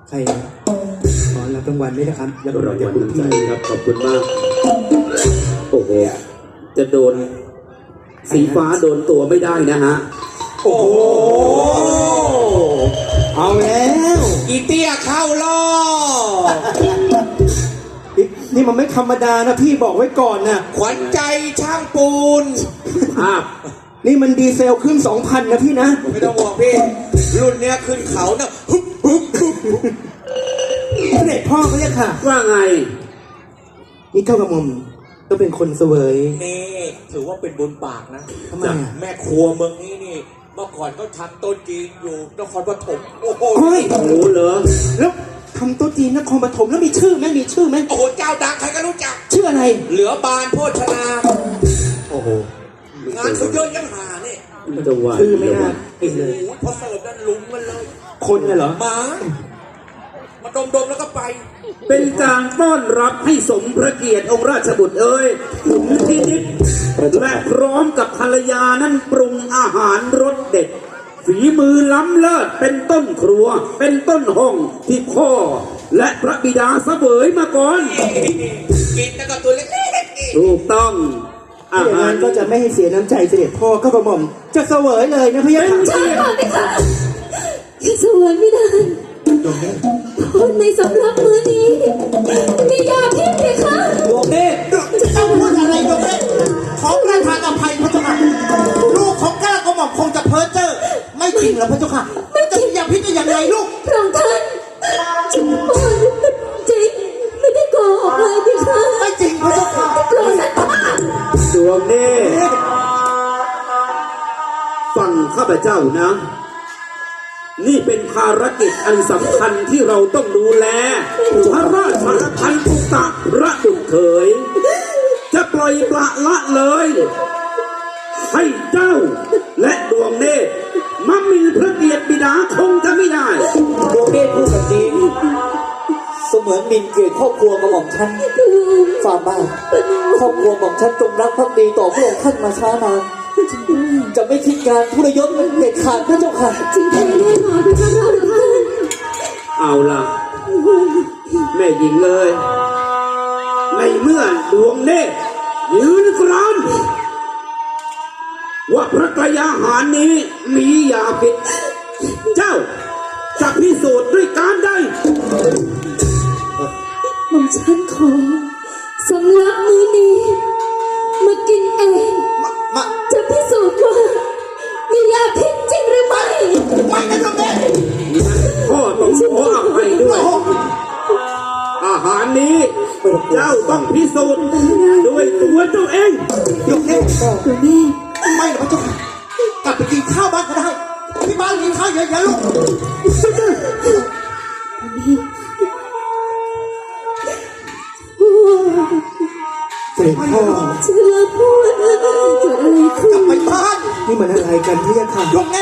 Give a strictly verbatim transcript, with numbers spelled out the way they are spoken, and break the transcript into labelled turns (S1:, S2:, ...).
S1: ใครขอรับรางวัลด้วยนะครับรับรางวัล
S2: ราง
S1: จาก
S2: วัล
S1: คุณ
S2: น้ำใจ
S1: พี่
S2: ครับขอบคุณมากโอ้โหจะโดนสีฟ้าโดนตัวไม่ได้นะฮะโอ้โห
S1: เอาแล้ว
S3: อีเตี้ยเข้ารอบ
S1: นี่นี่มันไม่ธรรมดานะพี่บอกไว้ก่อนนะ
S3: ขวัญใจช่างปูน
S2: ภาพ
S1: นี่มันดีเซลขึ้นสองพันนะพี่นะ
S3: ไม่ต้องห่วงพี่ รุ่นเนี้ยขึ้นเขานะฮึบฮึบฮึบฮึบ
S1: เสด็จพ่อเขาเรียกค่ะ
S2: ว่าไง
S1: นี่เก้ากระหม่อมก็เป็นคนเสวย
S3: นี่ถือว่าเป็นบุญปากนะ
S1: ทำไมอ่ะ
S3: แม่ครัวเมืองนี้นี่ เมื่อก่อนก็ทำโต๊ะจีนอยู่นครปฐมโอ้โห
S1: โอ้ย
S2: โอ้โหเหรอ
S1: แล้วทำโต๊ะจีนนครปฐมแล้วมีชื่อไหมมีชื่อไหม
S3: โอ้โหเจ้าดังใครก็รู้จัก
S1: ชื่ออะไร
S3: เหลือบานโภชนา
S1: โอ้โห
S3: งานเขาเยอะยังหาเนี่ย
S2: ไม่ต้องว่า
S1: ชื่อไม่น่า
S3: โอ้โหพอเสิร์ฟนั่นลุงมันเลย
S1: คนน่ะเหรอ
S3: หมามาดมๆแล้วก็ไป
S2: เป็นการต้อนรับให้สมพระเกียรติองค์ราชบุตรเอ้ยถึงที่นิดและพร้อมกับภรรยานั้นปรุงอาหารรสเด็ด ฝีมือล้ำเลิศเป็นต้นครัว เป็นต้นห้องที่พ่อ และพระบิดาเสวยมาก่อน
S3: กินแล้วก็ตัวเล็กๆนี่
S2: ถูกต้องอา
S1: อย่าง
S2: หาร
S1: นั้นก็จะไม่ให้เสียน้ำใจเสด็จพ่อเก้ากระหม่อมจะเสวยเลยนะพี่ยะค่ะ
S4: ใช่ก่อนไหมคะยังสวยไม่ได้คนในสำรับมือนี้มียาพิษไหมคะ
S1: ดวงเนตร
S5: เจ้าพูดอะไรดวงเนตรขอประทานอภัยพระเจ้าค่ะลูกของก้ากระหม่อมคงจะเพ้อเจ้อไม่จริงหรอกพระเจ้าค่ะจะมียาพิษได้อย่างไรลูก
S4: พระองค์ท่านจริงไม่ได้โกหกเลยพี่คะ
S5: ไม่จริงพระเจ้าค่ะ
S4: โปรดสัตว์บ้า
S2: ดวงเนตรฟังข้าพเจ้านะ นี่เป็นภารกิจอันสำคัญที่เราต้องดูแลพระราชพันธุตะพระบุตรเขย จะปล่อยปละละเลย ให้เจ้าและดวงเนตรมาหมีพระเกียรติบิดาคงจะไม่ได้
S6: ดวงเนตรพูดแบบนี้เสมือนหมินเกียรติครอบครัวกับของฉันฝ่าบาทครอบครัวของฉันจงรักภักดีต่อพระองค์ท่านมาช้านานจะไม่คิดการทุรยศเด็ดขาดพระเจ้าค่ะ
S4: จริงแท้แน่นอนพี่คะพระองค์ท่าน
S2: เอาล่ะ แม่หญิงเลย ในเมื่อดวงเนตรยืนกรานว่าพระกายอาหารนี้มียาพิษเจ้าจะพิสูจน์ด้วยการใด
S4: หม่อมฉันขอสำรับมือนี้มากินเอง
S5: มา
S4: จะพิสูจน์ว่ามียาพิษจริงหรือไม่
S5: ไม่นะดวงเนตร
S2: พ่อต้องขออภัยด้วย อาหารนี้เจ้าต้องพิสูจน์ด้วยตัวเจ้าเอง
S5: ดวงเนตร
S4: ตัวแม่
S5: ไม่หรอกพระเจ้าค่ะกลับไปกินข้าวบ้านก็ได้ที่บ้านกินข้าวเยอะๆลูก
S1: เสด็จพ่อ
S4: เชื่อพูดเกิดอะไรขึ้
S5: กลั
S4: น
S5: บไปบ้าน
S1: นี่มันอะไรกันพี่ยะค่ะ
S5: ดวงเนตร